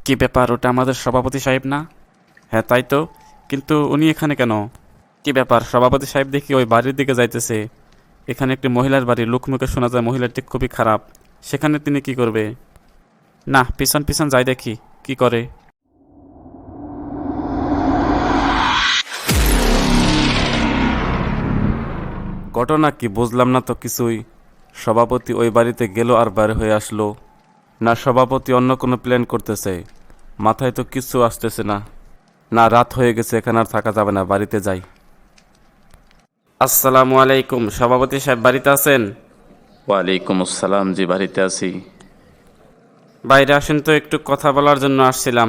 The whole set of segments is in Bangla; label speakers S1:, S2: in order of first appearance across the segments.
S1: কি ব্যাপার, ওটা আমাদের সভাপতি সাহেব না? হ্যাঁ তাই তো, কিন্তু উনি এখানে কেন? কি ব্যাপার, সভাপতি সাহেব দেখি ওই বাড়ির দিকে যাইতেছে। এখানে একটি মহিলার বাড়ি, লোকমুখে শোনা যায় মহিলাটি খুবই খারাপ। সেখানে তিনি কি করবে? না, পিছন পিছন যাই দেখি কি করে। ঘটনা কি বুঝলাম না তো কিছুই। সভাপতি ওই বাড়িতে গেল আর বাইরে হয়ে আসলো। না সভাপতি অন্য কোনো প্ল্যান করতেছে, মাথায় তো কিছু আসতেছে না। না রাত হয়ে গেছে, এখানে আর থাকা যাবে না, বাড়িতে যাই। আসসালামু আলাইকুম, সভাপতি সাহেব বাড়িতে আছেন?
S2: ওয়ালাইকুম আসসালাম, জি বাড়িতে আছি।
S1: বাইরে আসেন তো, একটু কথা বলার জন্য আসছিলাম।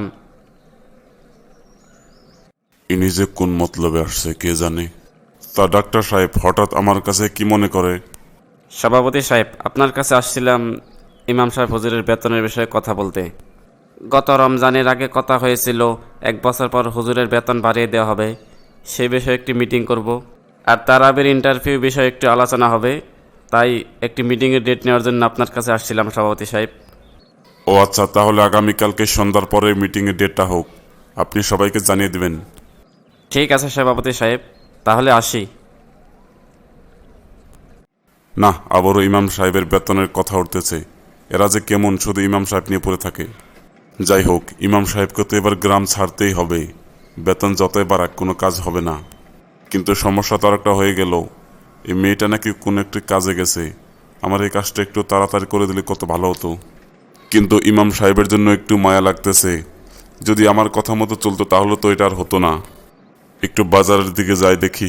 S3: ইনি যে কোন মতলবে আসছে কে জানে। তা ডাক্তার সাহেব হঠাৎ আমার কাছে কি মনে করে?
S1: সভাপতি সাহেব, আপনার কাছে আসছিলাম ইমাম সাহেব হুজুরের বেতনের বিষয়ে কথা বলতে। গত রমজানের আগে কথা হয়েছিল 1 বছর পর হুজুরের বেতন বাড়িয়ে দেওয়া হবে। সেই বিষয়ে একটি মিটিং করব, আর তারাবির ইন্টারভিউ বিষয়ে একটু আলোচনা হবে। তাই একটি মিটিংয়ের ডেট নেওয়ার জন্য আপনার কাছে আসছিলাম সভাপতি সাহেব।
S3: ও আচ্ছা, তাহলে আগামীকালকে সন্ধ্যার পরে মিটিংয়ের ডেটটা হোক, আপনি সবাইকে জানিয়ে দিবেন।
S1: ঠিক আছে সভাপতি সাহেব, তাহলে আসি।
S3: না, আবারও ইমাম সাহেবের বেতনের কথা উঠতেছে। এরা যে কেমন, শুধু ইমাম সাহেব নিয়ে পড়ে থাকে। যাই হোক, ইমাম সাহেবকে তো এবার গ্রাম ছাড়তেই হবে। বেতন যতই বাড়াক কোনো কাজ হবে না। কিন্তু সমস্যা তো আরেকটা হয়ে গেল, এই মেয়েটা নাকি কোনো একটি কাজে গেছে। আমার এই কাজটা একটু তাড়াতাড়ি করে দিলে কত ভালো হতো। কিন্তু ইমাম সাহেবের জন্য একটু মায়া লাগতেছে। যদি আমার কথা মতো চলতো তাহলে তো এটা আর হতো না। একটু বাজারের দিকে যাই দেখি।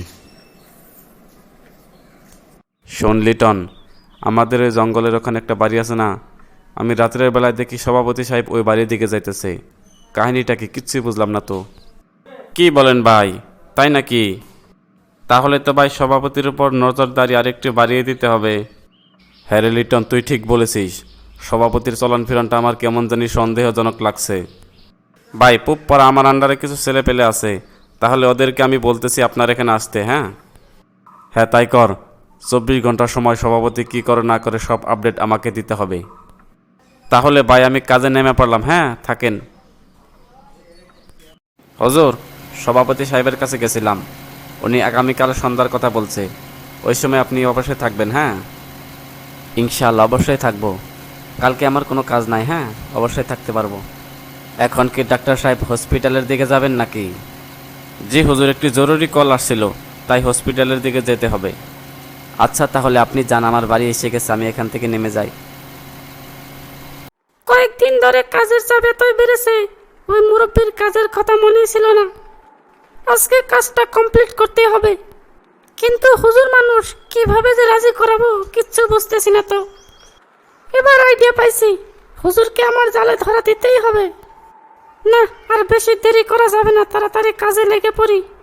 S1: শোন লিটন, আমাদের ওই জঙ্গলের ওখানে একটা বাড়ি আছে না? আমি রাত্রের বেলায় দেখি সভাপতি সাহেব ওই বাড়ির দিকে যাইতেছে। কাহিনীটা কি, কিচ্ছুই বুঝলাম না তো। কি বলেন ভাই, তাই নাকি? তাহলে তো ভাই সভাপতির উপর নজরদারি আরেকটু বাড়িয়ে দিতে হবে। হ্যাঁ রে লিটন, তুই ঠিক বলেছিস। সভাপতির চলন ফিরনটা আমার কেমন জানি সন্দেহজনক লাগছে। ভাই পুপ পরা আমার আন্ডারে কিছু ছেলে পেলে আছে, তাহলে ওদেরকে আমি বলতেছি আপনার এখানে আসতে। হ্যাঁ হ্যাঁ তাই কর। 24 ঘন্টার সময় সভাপতি কি করে না করে সব আপডেট আমাকে দিতে হবে। তাহলে ভাই আমি কাজে নেমে পড়লাম। হ্যাঁ থাকেন। হুজুর, সভাপতি সাহেবের কাছে গেছিলাম, উনি আগামীকাল সন্ধ্যার কথা বলছে। ওই সময় আপনি অবশ্যই থাকবেন। হ্যাঁ ইনশাআল্লাহ অবশ্যই থাকবো। কালকে আমার কোনো কাজ নাই। হ্যাঁ অবশ্যই থাকতে পারবো। এখন কি ডাক্তার সাহেব হসপিটালের দিকে যাবেন নাকি? জি হুজুর, একটি জরুরি কল আসছিল, তাই হসপিটালের দিকে যেতে হবে। আচ্ছা তাহলে আপনি যান, আমার বাড়ি এসে গেছে, আমি এখান থেকে নেমে যাই।
S4: কয়েকদিন ধরে কাজের চাপ এতই বেড়েছে, ওই মুরব্বীর কাজের কথা মনে ছিল না। আজকে কাজটা কমপ্লিট করতে হবে, কিন্তু হুজুর মানুষ কিভাবে যে রাজি করাবো কিচ্ছু বুঝতেছি না তো। এবার আইডিয়া পাইছি, হুজুরকে আমার জালে ধরা দিতেই হবে। না আর বেশি দেরি করা যাবে না, তাড়াতাড়ি কাজে লেগে পড়ি।